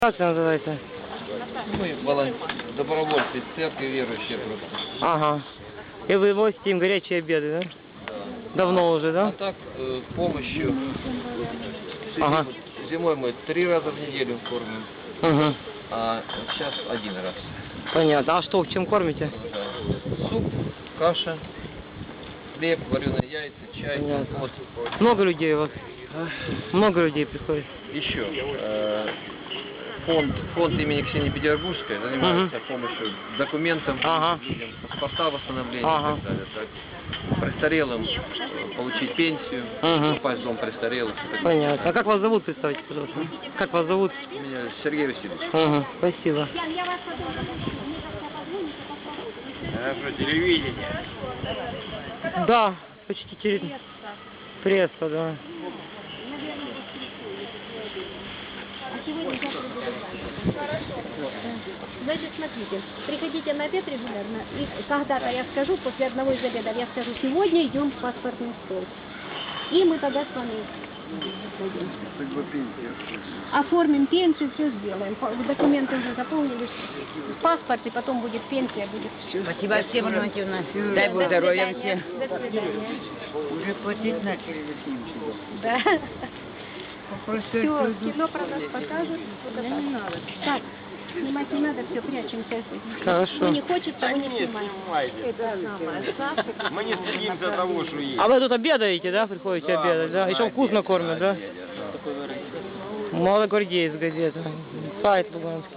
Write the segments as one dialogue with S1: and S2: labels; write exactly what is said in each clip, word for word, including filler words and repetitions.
S1: Как это называется?
S2: Мы волон... добровольцы из церкви, верующие просто.
S1: Ага. И вы возите им горячие обеды, да?
S2: Да.
S1: Давно уже, да?
S2: А так, э, помощью
S1: Ага.
S2: зимой мы три раза в неделю кормим,
S1: Угу.
S2: а сейчас один раз.
S1: Понятно. А что, чем кормите?
S2: Суп, каша, хлеб, вареные яйца, чай.
S1: Понятно.
S2: Вот.
S1: Много людей у вас? Много людей приходит?
S2: Еще э, фонд, фонд имени Ксении Петербургской занимается
S1: Угу.
S2: помощью документам,
S1: Ага.
S2: людям, паспорта восстановления
S1: Ага.
S2: и так далее. Так. Престарелым э, получить пенсию,
S1: Угу.
S2: попасть в дом престарелых. и так далее.
S1: Понятно. А как вас зовут, представьте, пожалуйста? Как вас зовут?
S2: Меня Сергей Васильевич.
S1: Угу. Спасибо.
S2: А что, телевидение?
S1: Да, почти через... Пресса, да.
S3: Значит, смотрите, приходите на обед регулярно, и когда-то я скажу, после одного из обедов, я скажу, сегодня идем в паспортный стол. И мы тогда с вами оформим пенсию, все сделаем. Документы уже заполнили, паспорт, и потом будет пенсия, будет все.
S4: Спасибо всем, Валентина. Дай Бог здоровья всем.
S3: До свидания.
S4: Уже платить начали за фильм.
S3: Да. Все, кино про нас покажут. Вот не надо. Так, снимать не надо, все, прячемся.
S1: Хорошо.
S3: Кто не хочет, того не снимаем.
S2: Мы не стыдимся того, что есть.
S1: А вы тут обедаете, да? Приходите обедать, да? Еще вкусно кормят, да? Молодогвардеец газета. Сайт Луганский.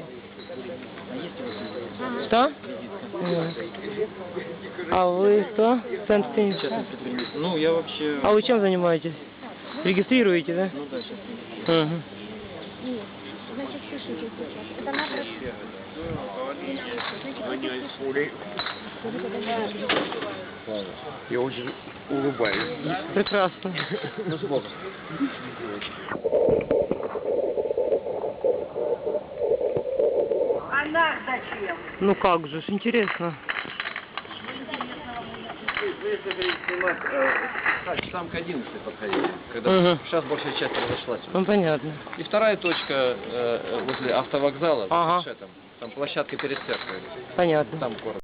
S1: Что? Нет. А вы что? Центр тенниса?
S2: Ну, я вообще...
S1: А вы чем занимаетесь? Регистрируете, да?
S2: Ну да, сейчас.
S1: Угу.
S3: Нет, значит, слушайте сейчас. Это надо...
S2: Я очень улыбаюсь.
S1: Прекрасно.
S2: Ну, сбоку.
S4: А нас зачем?
S1: Ну как же, ж интересно.
S2: Часам к одиннадцати подходили, когда
S1: Угу.
S2: сейчас большая часть разошлась.
S1: Ну понятно.
S2: И вторая точка э, возле автовокзала,
S1: Ага.
S2: там, там площадка перед церковью,
S1: Понятно.
S2: там город.